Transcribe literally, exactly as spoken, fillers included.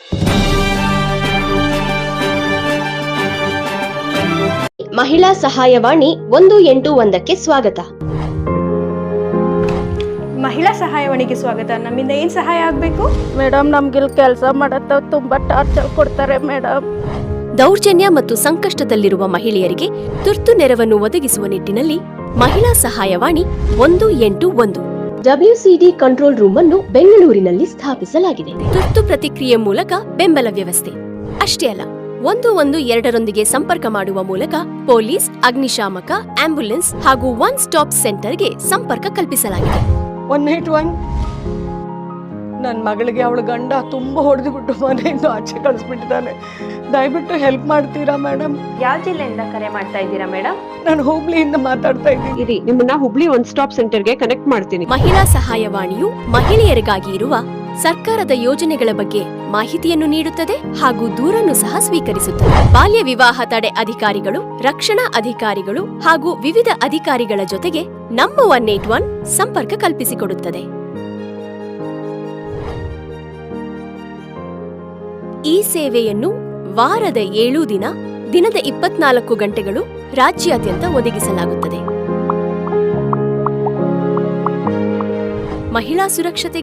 ಮಹಿಳಾ ಸಹಾಯವಾಣಿ ಒಂದು ಎಂಟು ಒಂದಕ್ಕೆ ಸ್ವಾಗತ. ಮಹಿಳಾ ಸಹಾಯವಾಣಿಗೆ ಸ್ವಾಗತ. ನಮ್ಮಿಂದ ಏನ್ ಸಹಾಯ ಆಗ್ಬೇಕು? ಮೇಡಮ್, ನಮ್ಗಿಲ್ ಕೆಲಸ ಮಾಡತ್ತ ತುಂಬಾ ಟಾರ್ಚರ್ ಕೊಡ್ತಾರೆ ಮೇಡಮ್. ದೌರ್ಜನ್ಯ ಮತ್ತು ಸಂಕಷ್ಟದಲ್ಲಿರುವ ಮಹಿಳೆಯರಿಗೆ ತುರ್ತು ನೆರವನ್ನು ಒದಗಿಸುವ ನಿಟ್ಟಿನಲ್ಲಿ ಮಹಿಳಾ ಸಹಾಯವಾಣಿ ಒಂದು ಎಂಟು ಒಂದು ಡಬ್ಲ್ಯೂಸಿಡಿ ಕಂಟ್ರೋಲ್ ರೂಮ್ ಅನ್ನು ಬೆಂಗಳೂರಿನಲ್ಲಿ ಸ್ಥಾಪಿಸಲಾಗಿದೆ. ತುರ್ತು ಪ್ರತಿಕ್ರಿಯೆ ಮೂಲಕ ಬೆಂಬಲ ವ್ಯವಸ್ಥೆ ಅಷ್ಟೇ ಅಲ್ಲ, ಒಂದು ಒಂದು ಎರಡರೊಂದಿಗೆ ಸಂಪರ್ಕ ಮಾಡುವ ಮೂಲಕ ಪೊಲೀಸ್, ಅಗ್ನಿಶಾಮಕ, ಆಂಬ್ಯುಲೆನ್ಸ್ ಹಾಗೂ ಒನ್ ಸ್ಟಾಪ್ ಸೆಂಟರ್ಗೆ ಸಂಪರ್ಕ ಕಲ್ಪಿಸಲಾಗಿದೆ. ಒನ್ ಏಟ್ ಒನ್ ನನ್ನ ಮಗಳಿಗೆ ಅವಳ ಗಂಡ ತುಂಬಾ ಹೊಡೆದು ಬಿಟ್ಟು ಮನೆಯಿಂದ ಆಚೆ ಕಳಿಸ್ಬಿಟ್ಟಿದ್ದಾನೆ. ದಯವಿಟ್ಟು ಹೆಲ್ಪ್ ಮಾಡ್ತೀರಾ ಮೇಡಮ್? ಯಾವ ಜಿಲ್ಲೆಯಿಂದ ಕರೆ ಮಾಡ್ತಾ ಇದ್ದೀರಾ ಮೇಡಮ್? ನಾನು ಹುಬ್ಳಿಯಿಂದ ಮಾತಾಡ್ತಾ ಇದ್ದೀನಿ. ಇರಿ, ನಿಮ್ಮನ್ನ ಹುಬ್ಳಿ ಒನ್ ಸ್ಟಾಪ್ ಸೆಂಟರ್ಗೆ ಕನೆಕ್ಟ್ ಮಾಡ್ತೀನಿ. ಮಹಿಳಾ ಸಹಾಯವಾಣಿಯು ಮಹಿಳೆಯರಿಗಾಗಿ ಇರುವ ಸರ್ಕಾರದ ಯೋಜನೆಗಳ ಬಗ್ಗೆ ಮಾಹಿತಿಯನ್ನು ನೀಡುತ್ತದೆ ಹಾಗೂ ದೂರನ್ನು ಸಹ ಸ್ವೀಕರಿಸುತ್ತದೆ. ಬಾಲ್ಯ ವಿವಾಹ ತಡೆ ಅಧಿಕಾರಿಗಳು, ರಕ್ಷಣಾ ಅಧಿಕಾರಿಗಳು ಹಾಗೂ ವಿವಿಧ ಅಧಿಕಾರಿಗಳ ಜೊತೆಗೆ ನಮ್ಮ ಒನ್ ಏಟ್ ಒನ್ ಸಂಪರ್ಕ ಕಲ್ಪಿಸಿಕೊಡುತ್ತದೆ. ಈ ಸೇವೆಯನ್ನು ವಾರದ ಏಳು ದಿನ, ದಿನದ ಇಪ್ಪತ್ನಾಲ್ಕು ಗಂಟೆಗಳು ರಾಜ್ಯಾದ್ಯಂತ ಒದಗಿಸಲಾಗುತ್ತದೆ. ಮಹಿಳಾ ಸುರಕ್ಷತೆ